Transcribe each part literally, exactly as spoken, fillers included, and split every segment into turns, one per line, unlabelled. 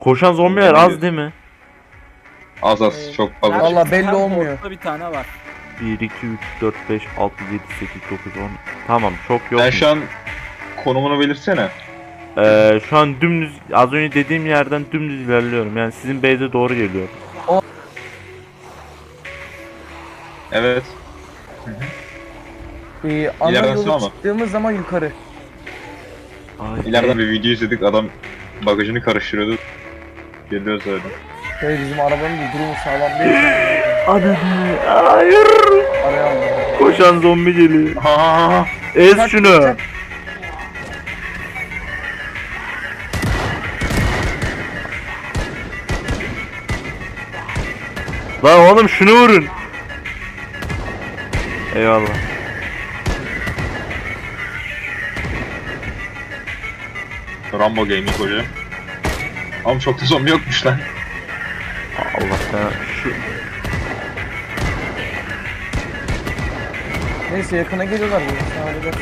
Koşan zombiler az değil mi?
Az az
Ee,
çok fazla.
nerede?
Vallahi belli
Her
olmuyor.
portta bir tane var.
bir, iki, üç, dört, beş, altı, yedi, sekiz, dokuz, on. Tamam çok yok.
Sen şu an konumunu belirsene.
Ee, şu an dümdüz az önce dediğim yerden dümdüz ilerliyorum. Yani sizin base'e doğru geliyor.
Evet.
Ee, ana
İleriden
yola
sağ mı?
çıktığımız zaman yukarı.
Ay,
İleriden bir video izledik, adam bagajını karıştırıyordu. Geliyoruz öyle.
Böyle bizim arabanın da durumu sağlam değil.
Ananı. Hayır.
Araya aldım.
Koşan zombi geliyor.
Ha ha ha.
Ez
Çak,
şunu.
çak.
Lan oğlum şunu vurun. Eyvallah.
Rambo Gaming hoca. Ama çok da zombi yokmuş lan.
Allah sana şu
Neyse yakına geliyorlar. böyle. Sen halledersin.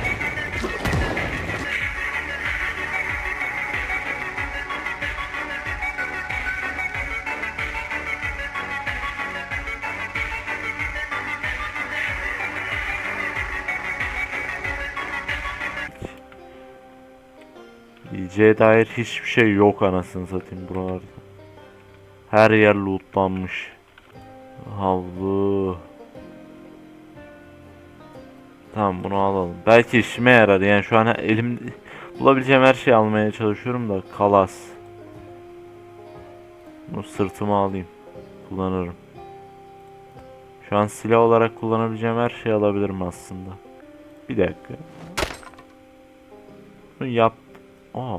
yiyeceğe dair hiçbir şey yok anasını satayım buralarda. Her yer lootlanmış. Havlu. Tamam bunu alalım. Belki işime yarar. Yani şu an elim bulabileceğim her şeyi almaya çalışıyorum da kalas. Bunu sırtıma alayım. Kullanırım. Şu an silah olarak kullanabileceğim her şeyi alabilirim aslında. Bir dakika. Bunu yap. Aa.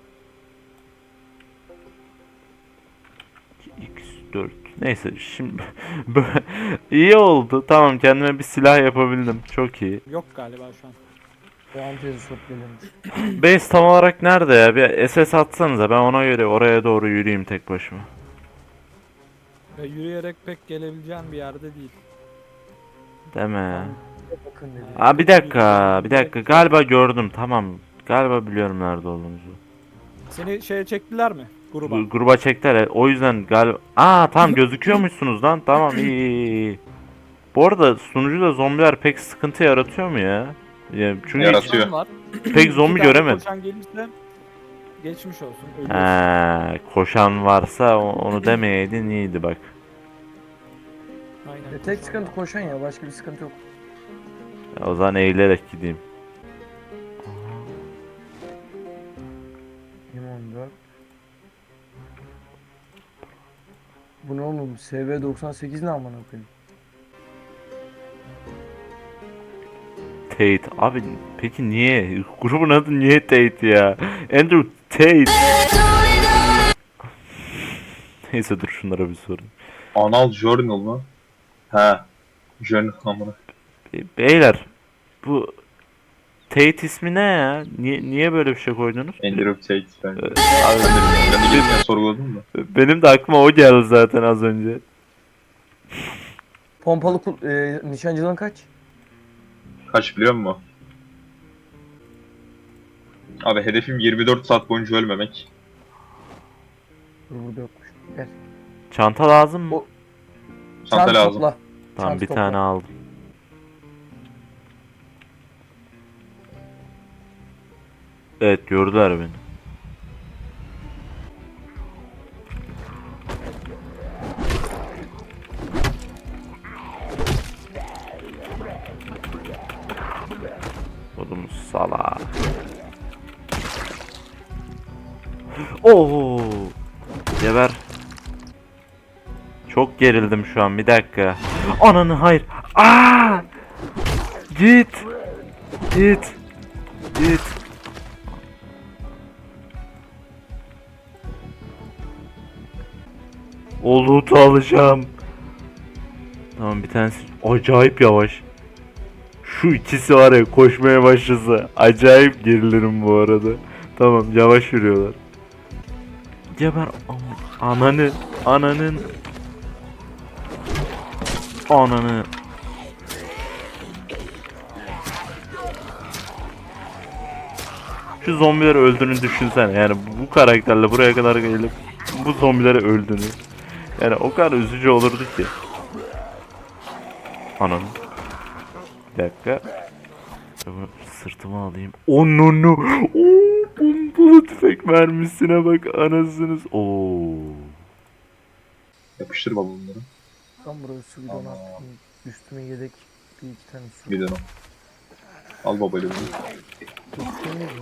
X dört. Neyse şimdi iyi oldu. Tamam kendime bir silah yapabildim. Çok iyi.
Yok galiba şu an.
Parantezi sok geliyormuş.
Base tam olarak nerede ya? Bir S S atsanıza ben ona göre oraya doğru yürüyeyim tek başıma.
Ve yürüyerek pek gelebileceğin bir yerde değil.
Deme.
Bakın dedi.
Aa bir dakika, bir dakika. Galiba gördüm. Tamam. Galiba biliyorum nerede olduğunuzu.
Seni şeye çektiler mi? Gruba.
Gu- Gruba çektiler. O yüzden galiba... Aa tamam gözüküyormuşsunuz lan. Tamam iyi iyi iyi. Bu arada sunucuda zombiler pek sıkıntı yaratıyor mu ya? Ya çünkü hiç
Yaratıyor.
Koşan var.
pek zombi
İki tane
göremedim.
Koşan gelirse geçmiş olsun. Ölüyorsun.
He, koşan varsa o- onu demeyeydin iyiydi bak.
Aynen.
E, tek sıkıntı koşan ya. Başka bir sıkıntı yok.
O zaman eğilerek gideyim.
yirmi on dört. Bu ne oğlum? S V doksan sekiz ne amına koyayım?
Tate. Abi peki niye? Grubun adı niye Tate ya? Andrew Tate. Neyse dur şunlara bir sorayım.
Anal Journal mı? He. Journal amına.
Be- Beyler bu Tate ismi ne ya? Niye, niye böyle bir şey koydunuz?
Andrew Tate bence.
Abi,
Ben de bilmiyorum. Ben de gelirken sorguladım da.
benim de aklıma o geldi zaten az önce.
Pompalı kul e, nişancılığın kaç?
Kaç biliyor musun? Abi hedefim yirmi dört saat boyunca ölmemek.
Dur burada yokmuş. Gel.
Çanta lazım mı?
O-
Çanta
Çant
lazım.
topla.
Tamam
çanta
bir
topla.
tane aldım. Evet gördüler beni. Oğlum salak. Oo! Geber. Çok gerildim şu an. Bir dakika. Ananı hayır. Aa! Git. Git. Git. O loot'u alacağım. Tamam bir tanesi acayip yavaş. Şu ikisi var ya koşmaya başlasa acayip gerilirim bu arada. Tamam yavaş yürüyorlar. Geber am- ananı ananın ananı. Şu zombileri öldüğünü düşünsene yani bu karakterle buraya kadar gelip bu zombilere öldünüz. Yani o kadar üzücü olurdu ki. Anam. Bir dakika. Şöyle sırtıma alayım. Onu no. Oo, pompalı tüfek mermisine bak anasınız. Oo.
Yapıştır baba bunları.
Tam buraya su bidonu
Aa.
attım. Üstüme yedek bir iki tane su.
Bir de o. Al babayla bunu.
Üstüme mi?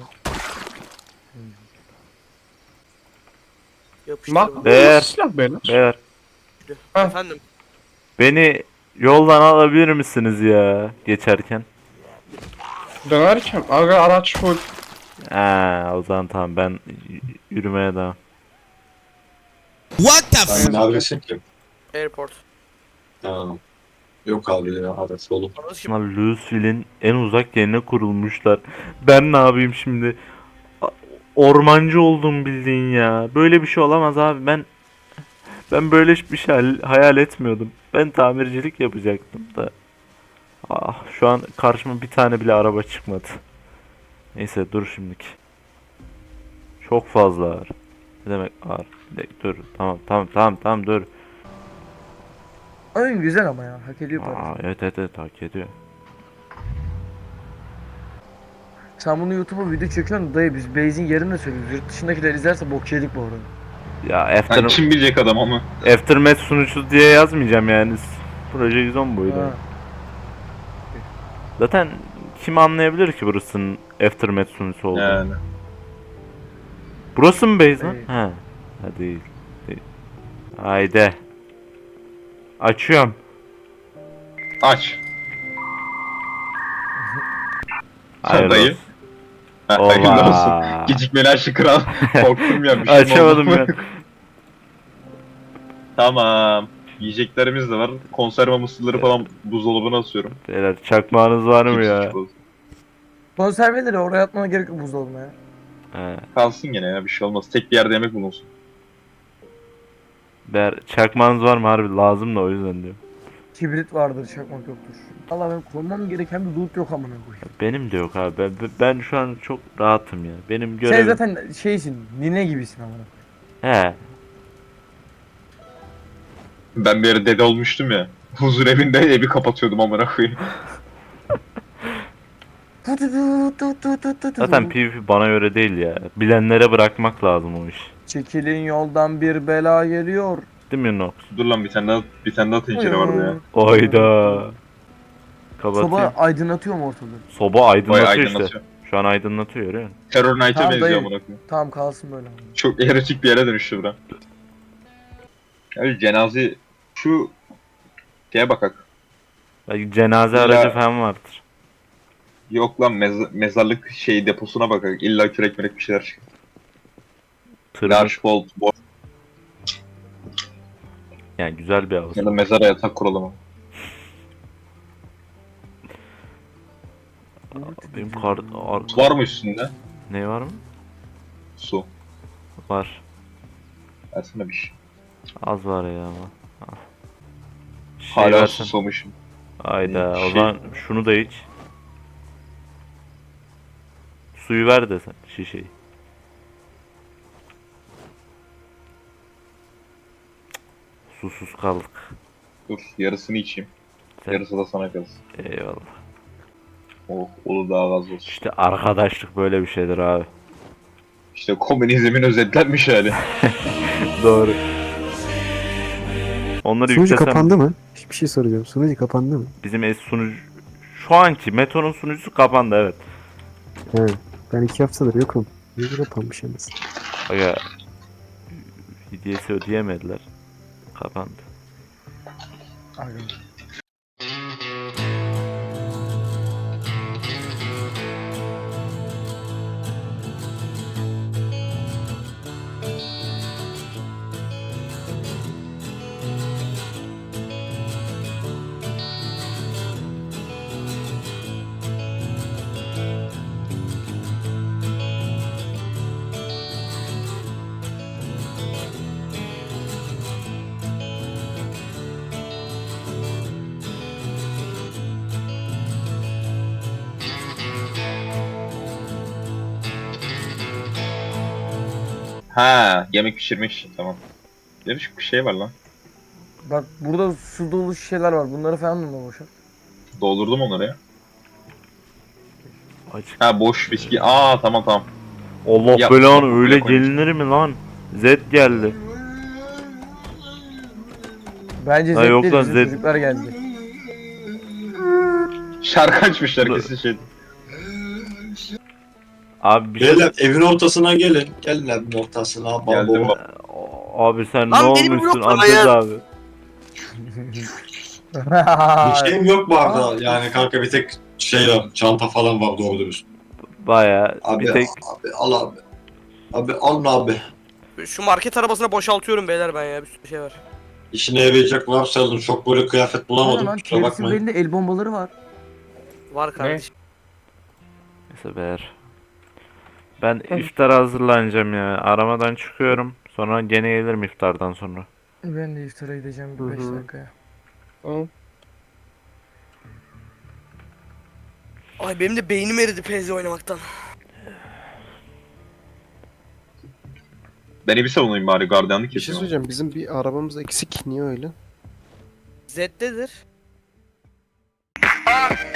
Yapıştır.
Bak
bunu.
Değer.
silah beyler.
Beyler
Ha.
Efendim.
beni yoldan alabilir misiniz ya geçerken?
Dönerken aga araç full.
Ha, o zaman tamam ben y- yürümeye devam.
What the
Sen neredesin ki?
Airport.
Tamam. Yok abi ya adres dolu.
Anladın şimdi.
Ama Louisville'in en uzak yerine kurulmuşlar. Ben ne yapayım şimdi? A- Ormancı oldum bildiğin ya. Böyle bir şey olamaz abi. Ben ben böyle bir şey hal- hayal etmiyordum. Ben tamircilik yapacaktım da. Ah, şu an karşıma bir tane bile araba çıkmadı. Neyse dur şimdiki. Çok fazla ağır. Ne demek ağır? Bir dakika, dur. Tamam tamam tamam tamam dur.
Oyun güzel ama ya. Hak ediyor
Aa,
parası.
evet evet evet hak ediyor.
Sen bunu YouTube'a video çekiyorsun dayı, biz base'in yerini de söylüyoruz. Yurt dışındakiler izlerse bok yedik bu arada.
Ya
Yani
After,
kim bilecek adam ama.
Aftermath sunucusu diye yazmayacağım yani. Proje yüz on buydu.
Ha.
Zaten kim anlayabilir ki burasının Aftermath sunucusu olduğunu?
Yani.
Burası mı base lan?
Değil.
He. Ha değil. değil. Haydi. Açıyorum.
Aç.
Hayırlı
dayı.
olsun.
Ha, hayırlı
Oba.
olsun. Gecikmeli aşı kral. Korktum ya. Bir şey mi
Açamadım
oldu?
ya.
Tamam. Yiyeceklerimiz de var. Konserve mısırları falan buzdolabına atıyorum.
Beyler çakmağınız var mı ya?
Cips, çikolata.
Konserveleri oraya atmana gerek yok buzdolabına ya.
He.
Kalsın gene ya bir şey olmaz. Tek bir yerde yemek bulunsun.
Beyler çakmağınız var mı harbi lazım da o yüzden diyor.
Kibrit vardır, çakmak yoktur. Allah, ben korumam gereken bir loot yok amına koyayım.
Benim de yok abi. Ben, ben şu an çok rahatım ya. Benim
Sen
görevim...
zaten şeysin, nine gibisin amına koyayım.
He.
Ben bir yere dede olmuştum ya. Huzur evinde evi kapatıyordum amına koyayım.
Zaten PvP bana göre değil ya. Bilenlere bırakmak lazım o iş.
Çekilin yoldan, bir bela geliyor.
Değil mi Nox?
Dur lan bir tane daha bir tane daha tencere vardı ya.
Oyda. Kapatayım.
Soba
Soba,
aydınlatıyor mu ortalığı?
Vay
aydınlatıyor işte.
aydınlatıyor.
Şu an aydınlatıyor görüyor musun?
Terror Knight'a
Tamam,
benziyor
dayı.
amına koyayım.
Tamam, kalsın böyle amına.
Çok erotik bir yere dönüştü bura. Abi cenaze şu şeye bakak.
Belki cenaze
İlla-
aracı falan vardır.
Yok lan mez- mezarlık şey deposuna bakak. İlla kürek mürek bir şeyler çıkar.
Tırmık.
Large bolt, bolt
Yani güzel bir havuz.
ya da mezara yatak kuralım. ama.
Benim kar... Ar...
Var mı üstünde?
Ne var mı?
Su.
Var.
Versene bir şey.
Az var ya ama. Al. Şey
Hala
versen.
susamışım.
Hayda. O
Şey-
zaman şunu da iç. Suyu ver de sen şişeyi. Susuz kaldık.
Dur yarısını içeyim.
Sen-
Yarısı da sana kalsın.
Eyvallah.
Oh, olur daha az olsun.
İşte arkadaşlık böyle bir şeydir abi.
İşte komünizmin özetlenmiş hali.
Doğru. Onları
Sunucu
yüklesem
kapandı mı? Bir şey soracağım. Sunucu kapandı mı?
bizim es sunucu şu anki Meto'nun sunucusu kapandı evet.
He. Ben iki haftadır yokum. Niye kapanmış yalnız?
Aga hediyesi ödeyemediler. Kapandı.
Aynen.
Ha, yemek pişirmek için tamam. Değişik bir şey var lan.
Bak burada su dolu şişeler var. Bunları falan mı boşalt?
Doldurdum onları ya.
Açık.
Ha boş viski. Aa tamam tamam.
Allah
Ya,
belanı
buraya
öyle
koymuş.
gelinir mi lan? Zed geldi.
Bence
Ha,
Zed
yok
değil,
lan,
bizim
Zed.
çocuklar geldi.
Şarkı açmışlar kesin şey.
Abi bir şey...
Beyler evin ortasına gelin. Gelin evin ortasına.
Geldim
Babo.
bak.
Abi sen
Lan
ne
beni
olmuşsun
bloklama
Antez
ya.
abi?
Bir şeyim yok bu arada. Yani kanka bir tek şey var. Çanta falan var doğru dürüst.
Baya
Abi,
bir tek
abi al abi. Abi al abi.
Şu market arabasına boşaltıyorum beyler ben ya bir sürü şey var.
İşine yarayacak varsa alın. Çok böyle kıyafet bulamadım.
Lan
Kusura
Keris'in
bakmayın.
belinde el bombaları var.
Var kardeşim.
neyse beyler. Ben iftara hazırlanacağım ya. Aramadan çıkıyorum. Sonra gene gelirim iftardan sonra.
Ben de iftara gideceğim
Hı
bir beş
hı.
dakikaya.
Tamam.
Ay benim de beynim eridi P Z oynamaktan.
Beni bir savunayım bari gardiyanlık
Bir şey
yapıyorum.
söyleyeceğim. Bizim bir arabamız eksik. Niye öyle?
Z'dedir.